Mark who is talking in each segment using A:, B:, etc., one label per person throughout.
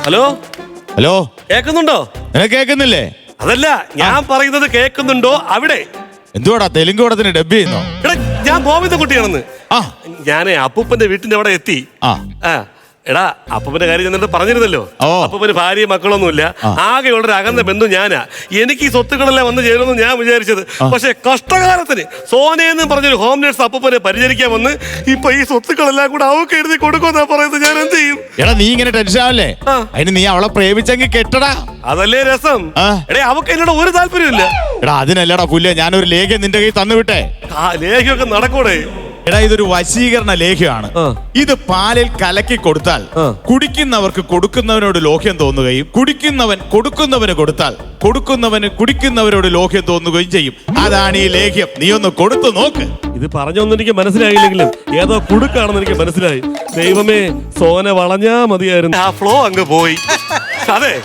A: Hello
B: hello,
A: കേക്കുന്നുണ്ടോ?
B: നിനക്ക് കേൾക്കുന്നില്ലേ?
A: അതല്ല, ഞാൻ പറയുന്നത് കേൾക്കുന്നുണ്ടോ അവിടെ?
B: എന്തുവാടാ തെലുങ്ക് പടത്തിന് ഡബ് ചെയ്യുന്നോ?
A: എടാ, ഞാൻ ഗോവിന്ദൻകുട്ടിയാണെന്ന്.
B: ആ,
A: ഞാനേ അപ്പൂപ്പന്റെ വീട്ടിന്റെ അവിടെ എത്തി.
B: ആ
A: എടാ, അപ്പൂപ്പന്റെ കാര്യം എന്നിട്ട് പറഞ്ഞിരുന്നല്ലോ.
B: ഓ.
A: അപ്പൂപ്പന് ഭാര്യയും മക്കളൊന്നുമില്ല. ആകെയുള്ളൊരു അകന്ന ബന്ധു ഞാനാ. എനിക്ക് ഈ സ്വത്തുക്കളെല്ലാം വന്ന് ചേരുമെന്ന് ഞാൻ വിചാരിച്ചത്. പക്ഷെ കഷ്ടകാലത്തിന് സോനയെന്നും പറഞ്ഞൊരു ഹോം നേഴ്സ് അപ്പൂപ്പനെ പരിചരിക്കാൻ വന്ന് ഇപ്പൊ ഈ സ്വത്തുക്കളെല്ലാം കൂടെ അവക്ക് എഴുതി കൊടുക്കുമെന്നാ പറയുന്നത്. ഞാൻ എന്ത് ചെയ്യും?
B: എടാ, നീ ഇങ്ങനെ ടെൻഷൻ ആവല്ലേ? അതിന് നീ അവളെ പ്രേമിച്ചെങ്കിൽ കെട്ടടാ.
A: അതല്ലേ രസം. എടേ, അവക്ക് എന്നോട് ഒരു താല്പര്യമില്ല.
B: എടാ, അതിനല്ലടാ പുല്ല, ഞാനൊരു ലേഖ്യം നിന്റെ കയ്യിൽ തന്നു വിട്ടെ.
A: ലേഖ്യമൊക്കെ നടക്കൂടെ?
B: എടാ, ഇതൊരു വശീകരണ ലേഖ്യമാണ്. ഇത് പാലിൽ കലക്കി കൊടുത്താൽ കുടിക്കുന്നവർക്ക് കൊടുക്കുന്നവനോട് ലോഹ്യം തോന്നുകയും കുടിക്കുന്നവൻ കൊടുക്കുന്നവന് കൊടുത്താൽ കൊടുക്കുന്നവന് കുടിക്കുന്നവരോട് ലോഹ്യം തോന്നുകയും ചെയ്യും. അതാണ് ഈ ലേഖ്യം. നീ ഒന്ന് കൊടുത്തു നോക്ക്.
A: ഇത് പറഞ്ഞൊന്നും എനിക്ക് മനസ്സിലായില്ലെങ്കിലും ഏതോ കുടുക്കാണെന്ന് എനിക്ക് മനസ്സിലായി. ദൈവമേ, സോന വളഞ്ഞാ മതിയായിരുന്നു. ആ ഫ്ലോ അങ്ങ് പോയി. അതെ,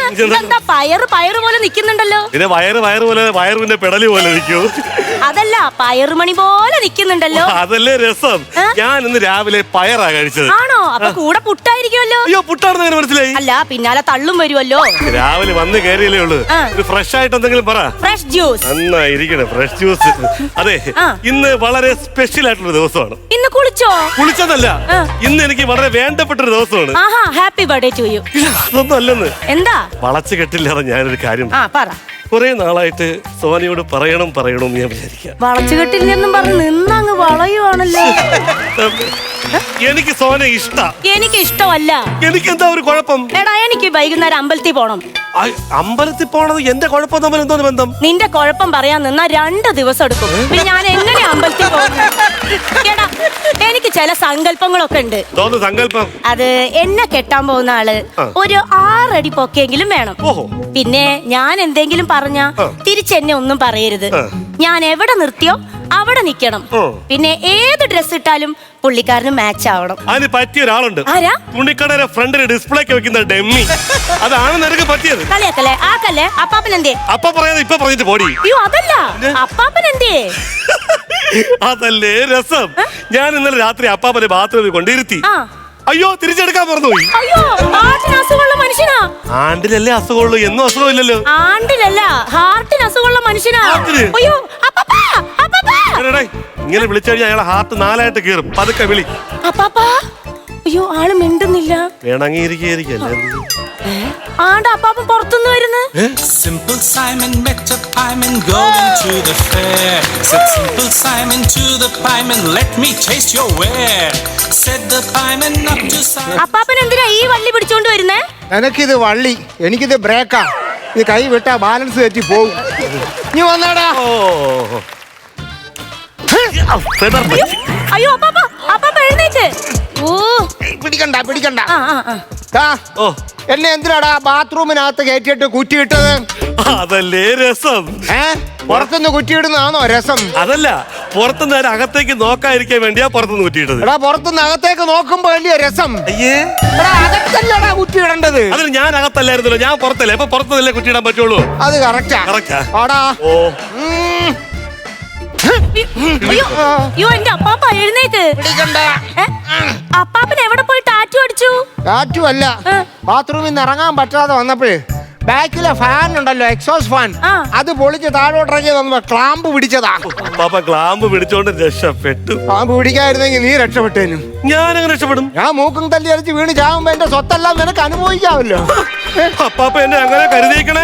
C: പയറ് പോലെ നിക്കുന്നുണ്ടല്ലോ.
A: പിന്നെ വയറ് പോലെ വയറിന്റെ പെടലി പോലെ നിൽക്കൂ.
C: അതല്ല, പയറുമണി പോലെ നിക്കുന്നുണ്ടല്ലോ.
A: അതല്ലേ രസം. ഞാൻ ഇന്ന് രാവിലെ പയറാ കഴിച്ചത്.
C: ആണോ? അപ്പൊ കൂടെ പുട്ടായിരിക്കുമല്ലോ.
A: അയ്യോ, പുട്ടാണെന്ന് എങ്ങനെ മനസ്സിലായി?
C: അല്ല, പിന്നാലെ തള്ളും വരുമല്ലോ.
A: രാവിലെ വന്ന് കയറിയല്ലേ ഉള്ളു. ഫ്രഷ് ആയിട്ട് എന്തെങ്കിലും പറ.
C: Fresh juice.
A: നന്നായിരിക്കണേ, ഫ്രഷ് ജ്യൂസ്. അതെ, ഇന്ന് വളരെ സ്പെഷ്യൽ ആയിട്ടുള്ള ദിവസമാണ്.
C: ഇന്ന് കുളിച്ചോ?
A: കുളിച്ചതല്ല, ഇന്ന് എനിക്ക് വളരെ വേണ്ടപ്പെട്ട ഒരു ദിവസമാണ്.
C: Happy birthday to you.
A: അതൊന്നും അല്ലെന്ന്.
C: എന്താ?
A: വളച്ചു കെട്ടില്ലാതെ ഞാനൊരു കാര്യം
C: പറ.
A: കുറെ നാളായിട്ട് സോനയോട് പറയണം ഞാൻ വിചാരിക്കാം.
C: വളച്ചുകെട്ടില്ലെന്നും പറഞ്ഞ് നിന്നങ്ങ് വളയുവാണല്ലോ.
A: എനിക്ക് സോന ഇഷ്ട.
C: എനിക്ക് ഇഷ്ടമല്ല.
A: എനിക്ക് എന്താ ഒരു കുഴപ്പം?
C: എടാ, എനിക്ക് വൈകുന്നേരം അമ്പലത്തിൽ പോണം.
A: അമ്പലത്തിൽ പോണത് എന്റെ കുഴപ്പം തമ്മിൽ എന്തോന്ന് ബന്ധം?
C: നിന്റെ കുഴപ്പം പറയാൻ നിന്നാ 2 ദിവസം എടുക്കും. പിന്നെ ഞാൻ എങ്ങനെ അമ്പലത്തിൽ പോകും? എടാ, എനിക്ക് ചില സങ്കല്പങ്ങളൊക്കെ ഉണ്ട്.
A: സങ്കല്പം?
C: അത് എന്നെ കെട്ടാൻ പോകുന്ന ആള് ഒരു 6 അടി പൊക്കെങ്കിലും വേണം. പിന്നെ ഞാൻ എന്തെങ്കിലും പറഞ്ഞാ തിരിച്ചെന്നെ ഒന്നും പറയരുത്. ഞാൻ എവിടെ നിർത്തിയോ അവിടെ നിക്കണം. പിന്നെ ഏത് ഡ്രസ് ഇട്ടാലും പുള്ളിക്കാരന് മാച്ച് ആവണം.
A: അതിന് പറ്റിയ ഒരാളുണ്ട്.
C: ആരാ?
A: തുണിക്കടയുടെ ഫ്രണ്ടിൽ ഡിസ്പ്ലേക്ക് വെക്കുന്ന ഡെമ്മി. അതാണ് നിനക്ക് പറ്റിയത്.
C: കളിയാക്കല്ലേ? ആക്കല്ലേ? അപ്പാപ്പൻ എന്തേ?
A: അപ്പ പറയാതെ ഇപ്പൊ പറഞ്ഞിട്ട് പോടി.
C: അയ്യോ, അതല്ല, അപ്പാപ്പൻ എന്തേ?
A: അതല്ലേ രസം. ഞാൻ ഇന്നലെ രാത്രി അപ്പാപ്പനെ ബാത്റൂമിൽ കൊണ്ടിരുത്തി. അയ്യോ, തിരിച്ചെടുക്കാൻ മറന്നുപോയി.
C: അയ്യോ, ഹാർട്ടിന് അസുഖമുള്ള മനുഷ്യനാ.
A: ആണ്ടിലല്ലേ അസുഖമുള്ളൂ, എന്നും അസുഖമില്ലല്ലോ.
C: ആണ്ടിലല്ല, ഹാർട്ടിന് അസുഖമുള്ള മനുഷ്യനാ. അയ്യോ,
A: ഇങ്ങനെ വിളിച്ചു കഴിഞ്ഞാൽ അയാളെ ഹാർട്ട് 4ആയിട്ട് കീറും. പതുക്കെ വിളി.
C: അയ്യോ, ആള് മിണ്ടുന്നില്ല.
A: വേണമെങ്കിരിക്കല്ലേ.
C: അപ്പാപ്പൻ പുറത്തുനിന്ന് വരുന്നു.
D: Simple Simon met a pieman going to the fair. Said Simple Simon to the pieman, let me taste your ware. Said the pieman up to Simon.
C: അപ്പാപ്പൻ എന്തിനാ ഈ വള്ളി പിടിച്ചോണ്ട് വരുന്നേ?
E: എനിക്കിത് വള്ളി, എനിക്കിത് ബ്രേക്കാ. ഇത് കൈ വിട്ടാ ബാലൻസ് തെറ്റി പോകും. നീ വന്നാടാ.
C: അയ്യോ, അപ്പാപ്പ എഴുന്നേറ്റ്.
E: പിടിക്കണ്ട. എന്നെ എന്തിനാടാ ബാത്റൂമിനകത്ത് കയറ്റിട്ട് കുറ്റിയിട്ടത്?
A: അതല്ലേ രസം.
E: പുറത്തുനിന്ന് കുറ്റിയിടുന്നതാണോ രസം?
A: അതല്ല, പുറത്തുനിന്ന് അകത്തേക്ക് നോക്കാതിരിക്കാൻ വേണ്ടിയാ പുറത്തുനിന്ന് കുറ്റിയിട്ടത്.
E: എടാ, പുറത്തുനിന്ന് അകത്തേക്ക് നോക്കുമ്പോ വലിയ രസം. അകത്തല്ലടാ കുറ്റിയിടേണ്ടത്.
A: അതിന് ഞാൻ അകത്തല്ലായിരുന്നല്ലോ, ഞാൻ പുറത്തല്ലേ. അപ്പൊ പുറത്തുനിന്നല്ലേ കുറ്റിയിടാൻ പറ്റുള്ളൂ.
E: അത് കറക്റ്റാ.
C: അയ്യോ, എന്റെ അപ്പാപ്പ എഴുന്നേക്ക്. അപ്പാപ്പൻ എവിടെ പോയി ടാറ്റു അടിച്ചു?
E: ടാറ്റു അല്ല, ബാത്റൂമിൽ നിന്ന് ഇറങ്ങാൻ പറ്റാതെ വന്നപ്പോഴേ ബാക്കിലെ ഫാൻ ഉണ്ടല്ലോ, എക്സോസ് ഫാൻ, അത് പൊളിച്ച് താഴോട്ടിറങ്ങി വന്നപ്പോ ക്ലാമ്പ് പിടിച്ചതാ.
A: ക്ലാമ്പ് പിടിച്ചോണ്ട് രക്ഷപ്പെട്ടു.
E: ക്ലാമ്പ് പിടിക്കായിരുന്നെങ്കിൽ നീ രക്ഷപ്പെട്ടേനും.
A: ഞാനങ്ങനെ രക്ഷപ്പെടും.
E: ഞാൻ മൂക്കും തല്ലി അടിച്ച് വീണ് ചാവുമ്പോ എന്റെ സ്വത്തെല്ലാം നിനക്ക് അനുഭവിക്കാമല്ലോ.
A: അപ്പാപ്പ എന്നെ അങ്ങനെ കരുതിയേക്കണേ.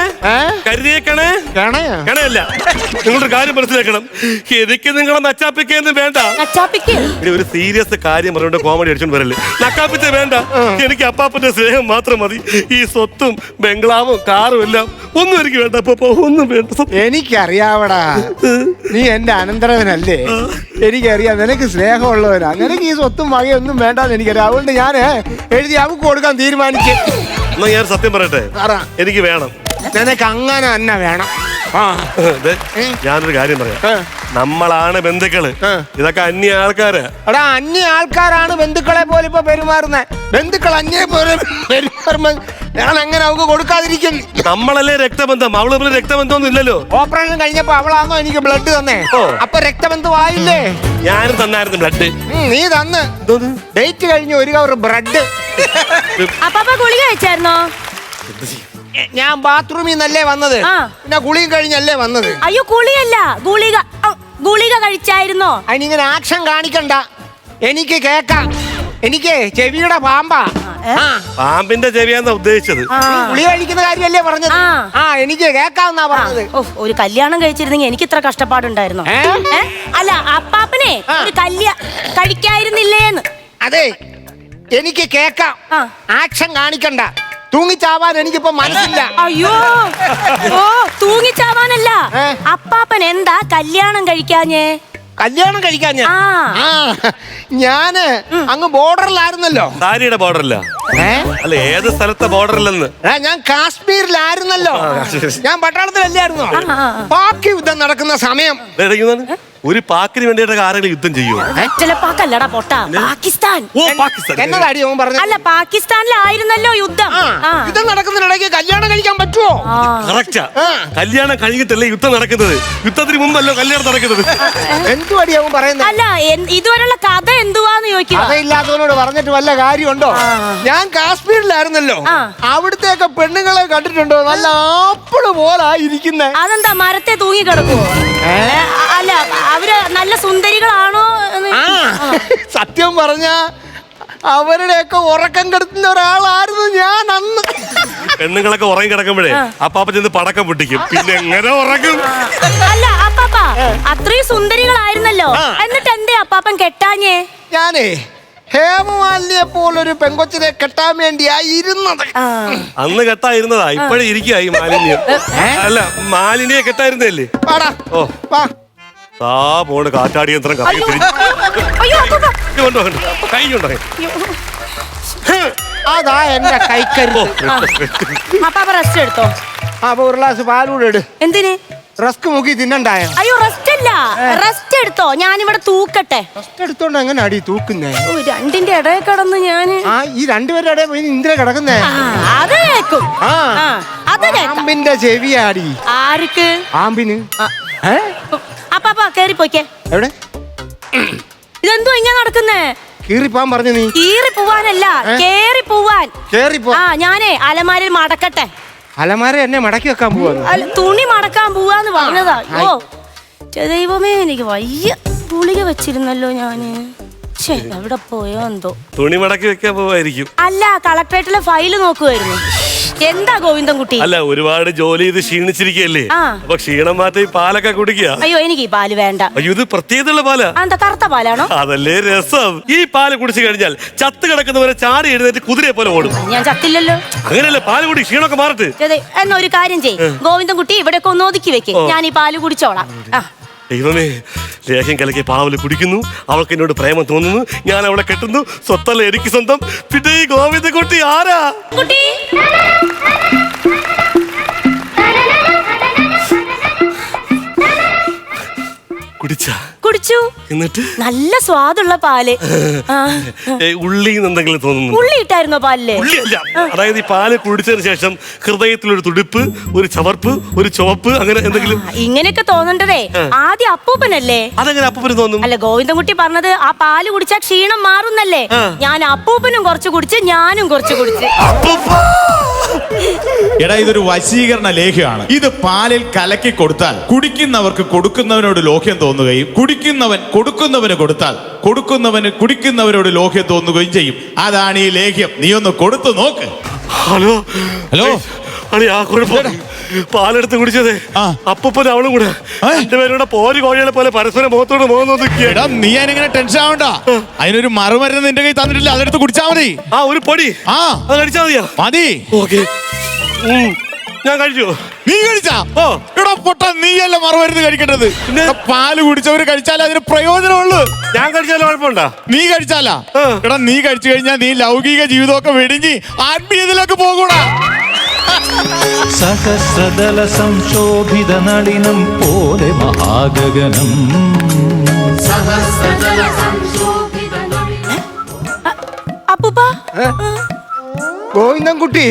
A: കണയല്ല. നിങ്ങളൊരു കാര്യം മനസ്സിലാക്കണം. എനിക്ക് നിങ്ങളെ നച്ചാപ്പിക്കൊന്നും വേണ്ട. ഒരു സീരിയസ് കാര്യം പറഞ്ഞോണ്ട് കോമഡി അടിച്ചോണ്ട് വരല്ലേ. നക്കാപ്പിച്ച വേണ്ട. എനിക്ക് അപ്പാപ്പന്റെ സ്നേഹം മാത്രം മതി. ഈ സ്വത്തും ബംഗ്ലാവും കാറും എല്ലാം ഒന്നും എനിക്ക് വേണ്ട. അപ്പൊ ഒന്നും വേണ്ട.
E: എനിക്കറിയാവടാ, നീ എന്റെ അനന്തരവനല്ലേ. എനിക്കറിയാം നിനക്ക് സ്നേഹമുള്ളവനാ. നിനക്ക് ഈ സ്വത്തും വകയൊന്നും വേണ്ടെന്ന് എനിക്കറിയാം. അതുകൊണ്ട് ഞാൻ എഴുതി അവക്ക് കൊടുക്കാൻ തീരുമാനിച്ചു.
A: എന്നാ ഞാൻ സത്യം പറയട്ടെ, എനിക്ക് വേണം.
E: നിനക്ക് അങ്ങനെ തന്നെ വേണം.
A: ഞാനൊരു കാര്യം പറയാം. നമ്മളാണ് ബന്ധുക്കള്, ഇതൊക്കെ അന്യ ആൾക്കാര്.
E: എടാ, അന്യ ആൾക്കാരാണ് ബന്ധുക്കളെ പോലെ ഇപ്പൊ പെരുമാറുന്നത്. ബന്ധുക്കൾ അന്യ പോലെ പെരുമാറുമ്പോ ഞാൻ എങ്ങനെ അവക്ക് കൊടുക്കാതിരിക്കും?
A: നമ്മളല്ലേ രക്തബന്ധം. അവള് രക്തബന്ധമൊന്നും ഇല്ലല്ലോ.
E: ഓപ്പറേഷൻ കഴിഞ്ഞപ്പോ അവളാണോ എനിക്ക് ബ്ലഡ് തന്നേ? അപ്പൊ രക്തബന്ധമായില്ലേ?
A: ഞാനും തന്നായിരുന്നു ബ്ലഡ്.
E: നീ തന്ന് ഡേറ്റ് കഴിഞ്ഞ് 1 കവർ ബ്രെഡ്
C: അപ്പാപ്പ ഗുളിക കഴിച്ചായിരുന്നോ?
E: ഞാൻ ബാത്റൂമിൽ നിന്നല്ലേ വന്നത്,
C: ആ.
E: പിന്നെ കുളിയും കഴിഞ്ഞല്ലേ വന്നത്.
C: അയ്യോ കുളിയല്ല, ഗുളിക കഴിച്ചായിരുന്നോ?
E: അതിനിങ്ങനെ ആക്ഷൻ കാണിക്കണ്ട, എനിക്ക് കേക്കാം. എനിക്ക് ചെവിയുടെ പാമ്പാ.
A: പാമ്പിന്റെ ചെവിയാന്നാ ഉദ്ദേശിച്ചത്.
E: ഗുളി കഴിക്കുന്ന കാര്യമല്ലേ പറഞ്ഞത്? എനിക്ക് കേക്കാന്നാ പറഞ്ഞത്.
C: ഒരു കല്യാണം കഴിച്ചിരുന്നെങ്കിൽ എനിക്ക് ഇത്ര കഷ്ടപ്പാടുണ്ടായിരുന്നോ? അല്ല അപ്പാപ്പനെ ഒരു കഴിക്കായിരുന്നില്ലേന്ന്.
E: അതെ, എനിക്ക് കേക്കാം. ആക്ഷൻ കാണിക്കണ്ട. തൂങ്ങിച്ചാവാൻ എനിക്കിപ്പോ മനസ്സില്ല.
C: അയ്യോ ഓ തൂങ്ങിച്ചാവാനല്ല, അപ്പാപ്പൻ എന്താ കല്യാണം കഴിക്കാഞ്ഞേ?
E: കല്യാണം കഴിക്കാൻ ഞാന് അങ്ങ് ബോർഡറിലായിരുന്നല്ലോ.
A: സാരിയുടെ ബോർഡറില്ല, അല്ല ഏത് സ്ഥലത്തെ ബോർഡറിലെന്ന്?
E: ഞാൻ കാശ്മീരിലായിരുന്നല്ലോ. ഞാൻ പട്ടാളത്തിലല്ലായിരുന്നോ? പാക് യുദ്ധം നടക്കുന്ന സമയം.
A: ഒരു പാക്കിന് വേണ്ടിയിട്ട് ആരെങ്കിലും യുദ്ധം ചെയ്യുമോ?
C: പാക്കല്ലടാ പൊട്ടാ, പാകിസ്ഥാൻ.
A: ഓ പാകിസ്ഥാൻ.
E: എന്നതാടി അവൻ പറഞ്ഞു?
C: അല്ല പാകിസ്ഥാനിലായിരുന്നല്ലോ യുദ്ധം.
E: യുദ്ധം നടക്കുന്നതിനിടയ്ക്ക് കല്യാണം കഴിക്കാൻ പറ്റുമോ?
A: കറക്റ്റാ, കല്യാണം കഴിഞ്ഞിട്ടല്ലേ യുദ്ധം നടക്കുന്നത്. യുദ്ധത്തിന് മുമ്പല്ലോ കല്യാണം നടക്കുന്നത്.
E: എന്തുവാടി അവൻ പറയുന്നത്?
C: അല്ല ഇതുവരെയുള്ള കഥ എന്തുവാന്ന് ചോദിക്കുക.
E: കഥയില്ലാത്തവനോട് പറഞ്ഞിട്ട് വല്ല കാര്യമുണ്ടോ? ഞാൻ കാശ്മീരിലായിരുന്നല്ലോ. അവിടുത്തെയൊക്കെ പെണ്ണുങ്ങളെ കണ്ടിട്ടുണ്ടോ? നല്ല ആപ്പിള് പോലായിരിക്കുന്നേ.
C: അതെന്താ മരത്തെ തൂങ്ങി കിടക്കുവോ? അല്ല അവര് നല്ല സുന്ദരികളാണോ?
E: സത്യം പറഞ്ഞ അവരുടെയൊക്കെ ഉറക്കം കെടുത്തുന്ന ഒരാളായിരുന്നു ഞാൻ അന്ന്.
A: പെണ്ണുങ്ങളൊക്കെ ഉറങ്ങി കിടക്കുമ്പോഴേ അപ്പാപ്പ ചെന്ന് പടക്കം പൊട്ടിക്കും, പിന്നെ എങ്ങനെ ഉറങ്ങും?
C: അല്ല അപ്പാപ്പ അത്രയും സുന്ദരികളായിരുന്നല്ലോ, എന്നിട്ട് എന്തേ അപ്പാപ്പൻ കെട്ടാഞ്ഞേ?
E: ഞാനേ ഹേമമാലിനിയെ പോലൊരു പെങ്കൊച്ചിനെ കെട്ടാൻ വേണ്ടിയായിരുന്നത്.
A: അന്ന് കെട്ടായിരുന്നതാ, ഇപ്പഴേ ഇരിക്കായി മാലിന്യം. അല്ല മാലിന്യെ കെട്ടായിരുന്നല്ലേ? ഓ ആ പോണ് കാറ്റാടി യന്ത്രം കൈ
E: അതാ എന്റെ കൈക്കരുത്.
C: അപ്പാപ്പ റെസ്റ്റ് എടുത്തോ.
E: അപ്പൊ ഒരു ഗ്ലാസ് പാലൂടെ ഇട്.
C: എന്തിന്?
E: റസ്ക് മുക്കി തിന്നണ്ടായോ?
C: അയ്യോ റെസ്റ്റ് അല്ല, റെസ്റ്റ് എടുത്തോ, ഞാനിവിടെ തൂക്കട്ടെ.
E: റെസ്റ്റ് എടുത്തോണ്ട് എങ്ങനെ അടി തൂക്കുന്നേ?
C: രണ്ടിന്റെ ഇടയിൽ കിടന്ന് ഞാന്
E: ഈ രണ്ടുപേരുടെ ഇടയിൽ പോയി ഇന്ദിര കിടക്കുന്നേ.
C: അത് കേക്കും.
E: പാമ്പിന്റെ ചെവിയാടി.
C: ആർക്ക്?
E: പാമ്പിന്.
C: അപ്പാപ്പ കേറി പോയിക്കേ.
E: എവിടെ?
C: ഇതെന്തോ ഇങ്ങനെ നടക്കുന്നേ?
E: കീറിപ്പോവാൻ പറഞ്ഞു നീ.
C: കീറി പോവാനല്ല, കേറി പോവാൻ.
E: കേറിപ്പോ.
C: ഞാനേ അലമാരയിൽ മടക്കട്ടെ.
E: അലമാര എന്നെ മടക്കി വെക്കാൻ പോവാ.
C: തുണി മടക്കാൻ പോവാന്ന് പറഞ്ഞതാ. ഓ ദൈവമേ എനിക്ക് വയ്യ. ഗുളിക വെച്ചിരുന്നല്ലോ ഞാന്. എവിടെ പോയോ എന്തോ.
A: തുണി മടക്കി വെക്കാൻ പോവായിരിക്കും.
C: അല്ല കളക്ടറേറ്റിലെ ഫയല് നോക്കുവായിരുന്നു. എന്താ ഗോവിന്ദൻകുട്ടി?
A: അല്ല ഒരുപാട് ജോലി ചെയ്ത് ക്ഷീണിച്ചിരിക്കല്ലേ, അപ്പൊ ക്ഷീണം മാറ്റി പാലൊക്കെ കുടിക്കുക.
C: അയ്യോ എനിക്ക് ഈ പാല് വേണ്ട.
A: അയ്യോ ഇത് പ്രത്യേകതയുള്ള പാലാ.
C: എന്താ കറുത്ത പാലാണോ?
A: അതല്ലേ രസം. ഈ പാല് കുടിച്ചു കഴിഞ്ഞാൽ ചത്ത് കിടക്കുന്നവരെ ചാടി എഴുന്നേറ്റ് കുതിരയെ പോലെ ഓടും.
C: ഞാൻ ചത്തില്ലല്ലോ.
A: അങ്ങനെയല്ലേ, പാല് കുടി ക്ഷീണമൊക്കെ മാറട്ടെ.
C: എന്നാ ഒരു കാര്യം ചെയ്യ്, ഗോവിന്ദൻകുട്ടി ഇവിടെയൊക്കെ ഒന്ന് ഒതുക്കി വെക്ക്, ഞാൻ ഈ പാല് കുടിച്ചോളാം.
A: ദൈവമേ, ലേഹ്യം കലക്കി പാവല് കുടിക്കുന്നു, അവൾക്ക് എന്നോട് പ്രേമം തോന്നുന്നു, ഞാൻ അവളെ കെട്ടുന്നു, സ്വത്തല്ല എനിക്ക് സ്വന്തം. പിന്നെ ഈ ഗോവിന്ദൻകുട്ടി ആരാ?
C: കുട്ടി കുടിച്ചു. എന്നിട്ട് നല്ല സ്വാദുള്ള പാല്.
A: ഉള്ളി എന്തെങ്കിലും തോന്നുന്നു?
C: ഉള്ളി ഇട്ടായിരുന്നോ പാലില്?
A: ഉള്ളിയല്ല, അതായത് ഈ പാല് കുടിച്ചതിന് ശേഷം ഹൃദയത്തിലൊരു തുടിപ്പ്, ഒരു ചവർപ്പ്, ഒരു ചുവപ്പ്, അങ്ങനെ എന്തെങ്കിലും.
C: ഇങ്ങനെയൊക്കെ തോന്നണ്ടതേ ആദ്യം അപ്പൂപ്പനല്ലേ.
A: അതെങ്ങനെ അപ്പൂപ്പന് തോന്നും?
C: അല്ല ഗോവിന്ദൻകുട്ടി പറഞ്ഞത് ആ പാല് കുടിച്ചാൽ ക്ഷീണം മാറുന്നല്ലേ. ഞാൻ അപ്പൂപ്പനും കുറച്ച് കുടിച്ച്, ഞാനും കുറച്ച് കുടിച്ച്.
B: എടാ ഇതൊരു വശീകരണ ലേഖ്യമാണ്. ഇത് പാലിൽ കലക്കി കൊടുത്താൽ കുടിക്കുന്നവർക്ക് കൊടുക്കുന്നവനോട് ലോഹ്യം തോന്നുകയും കുടിക്കുന്നവൻ കൊടുക്കുന്നവന് കൊടുത്താൽ കൊടുക്കുന്നവന് കുടിക്കുന്നവരോട് ലോഹ്യം തോന്നുകയും ചെയ്യും. അതാണ് ഈ ലേഖ്യം. നീ ഒന്ന് കൊടുത്തു നോക്ക്.
A: ഹലോ
B: ഹലോ
A: പാലെടുത്ത് കുടിച്ചതേ അപ്പൂപ്പൻ അവളും കൂടെ രണ്ടുപേരുടെ പോരി കോഴികളെ പോലെ പരസ്പരം മുഖത്തോട് മുഖം നോക്കിയാ.
B: നീ അതിനെങ്ങനെ ടെൻഷൻ ആവണ്ട. അതിനൊരു മറുമരുന്ന് നിന്റെ കൈ തന്നിട്ടില്ല, അതെടുത്ത് കുടിച്ചാ മതി.
A: ഒരു പൊടി അത് കഴിച്ചാ മതിയാ?
B: മതി.
A: ഓക്കെ ഞാൻ കഴിച്ചു.
B: നീ കഴിച്ചാ? എടാ പൊട്ട, നീയല്ല മറുമരുന്ന് കഴിക്കേണ്ടത്. പാല് കുടിച്ചവര് കഴിച്ചാലേ അതിന് പ്രയോജനമുള്ളൂ.
A: ഞാൻ കഴിച്ചാലും കുഴപ്പമുണ്ടാ?
B: നീ കഴിച്ചാലാ? എടാ നീ കഴിച്ചു കഴിഞ്ഞാൽ നീ ലൗകിക ജീവിതമൊക്കെ വെടിഞ്ഞ് ആത്മീയതയിലേക്ക് പോകൂടാ.
F: സഹസ്രദല സംശോഭിത നളിനം പോലെ മഹാഗഗനം.
C: അപ്പൂപ്പ
E: ഗോവിന്ദൻകുട്ടി,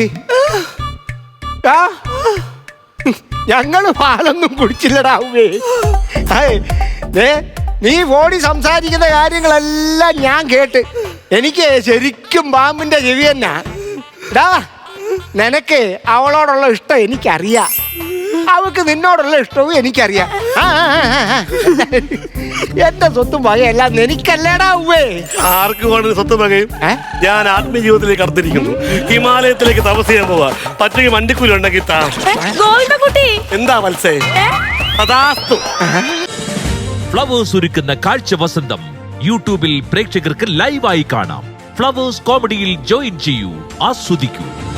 E: ഞങ്ങള് പാലൊന്നും കുടിച്ചില്ലടാവേ. നീ ഫോണിൽ സംസാരിക്കുന്ന കാര്യങ്ങളെല്ലാം ഞാൻ കേട്ട് എനിക്ക് ശരിക്കും പാമ്പിന്റെ ചെവി തന്നെ. നിനക്ക് അവളോടുള്ള ഇഷ്ടം എനിക്കറിയാം, അവൾക്ക് നിന്നോടുള്ള ഇഷ്ടവും എനിക്കറിയാം. എന്റെ സ്വത്തും വകയെല്ലാം എനിക്കല്ലേടാ ഉവ്വേ.
A: ആർക്ക് വേണ്ട സ്വത്തും വകയും ഞാൻ ആത്മജീവിതത്തിലേക്ക് കടത്തിരിക്കുന്നു. ഹിമാലയത്തിലേക്ക് തപസ് ചെയ്യാൻ പോവാ. പച്ചയ്ക്ക് വണ്ടിക്കൂലി ഉണ്ടെങ്കിൽ താ.
C: ഗോവിന്ദൻകുട്ടി
A: എന്താ മത്സേ? അതാസ്തു.
G: ഫ്ലവേഴ്സ് ഒരുക്കുന്ന കാഴ്ച വസന്തം യൂട്യൂബിൽ പ്രേക്ഷകർക്ക് ലൈവായി കാണാം. ഫ്ലവേഴ്സ് കോമഡിയിൽ ജോയിൻ ചെയ്യൂ, ആസ്വദിക്കൂ.